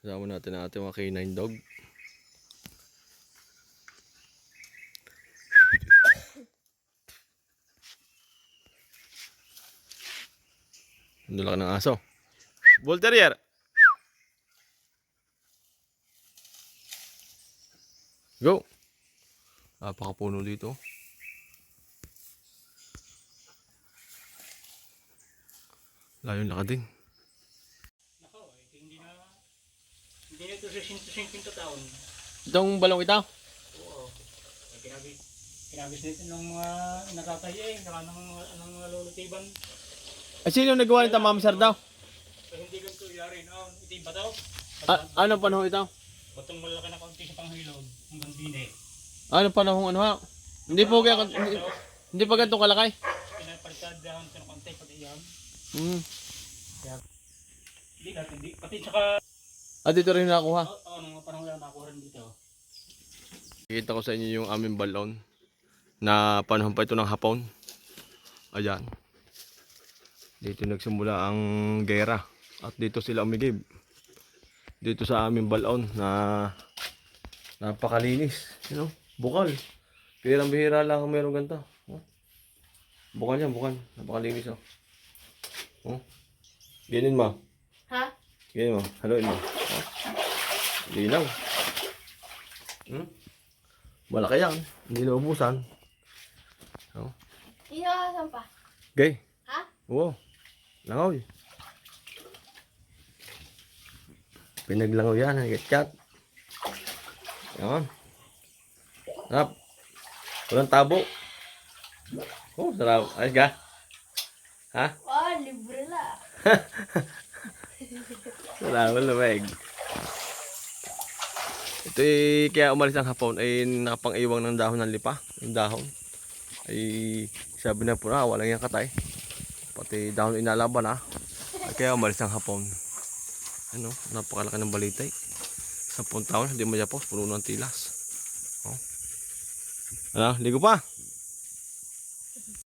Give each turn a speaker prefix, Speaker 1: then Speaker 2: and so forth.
Speaker 1: Kasama natin ang ating mga canine dog. Ang laki ng aso. Bull Terrier. Go. Napakapuno dito. Layo lakad din.
Speaker 2: Nako, hindi na ito sa 150 taon.
Speaker 1: Itong balong ito?
Speaker 2: Oo. Kinabis nito ng mga nakatay saka ng mga lulutiban.
Speaker 1: Ay, sino nagawa nito, Ma'am Sir daw?
Speaker 2: Hindi ganito yari no. Ito yung bataw.
Speaker 1: Ano panahon ito?
Speaker 2: Batong malaki na kaunti sa panghilod. Hanggang dine.
Speaker 1: Ano panahon ano ha? Hindi po kaya hindi pa ganito kalakay.
Speaker 2: Pinapalitad dahon ito ng kaunti pati yan. Kaya, hindi pati saka
Speaker 1: Dito rin nakuha.
Speaker 2: nung panahon lang nakuha rin dito.
Speaker 1: Nakikita ko sa inyo yung aming balon na panahon pa ito ng hapon. Ayan. Dito nagsimula ang gera at dito sila umigib. Dito sa aming balon na napakalinis. You know? Bukal. Bihirang-bihira lang kung meron ganito. Oh. Bukal yan, bukal. Napakalinis oh. Oh. Ganyan mo.
Speaker 3: Ha?
Speaker 1: Ganyan mo. Haluin mo. Oh. Linaw. Malaki yan. Hindi na ubusan. Oh.
Speaker 3: Ihahasan pa.
Speaker 1: Gay.
Speaker 3: Ha?
Speaker 1: Oo. Langoy. Pinaglangoy yan. Nag-chat. Yan. Sarap. Walang tabo. Oh, sarap. Ayos ka? Ha?
Speaker 3: Oh, libre la.
Speaker 1: Wala, malamig. Ito kaya umalis ang hapon ay nakapang-iwang ng dahon ng lipa. Yung dahon. Ay sabi na po na, walang yung katay. Pati dahon inalaban ha. Ay, kaya umalis ang hapon. Ano, napakalaki ng balitay. 10 taon, hindi magyapos, puno ng tilas. Oh. Ano, ligo pa?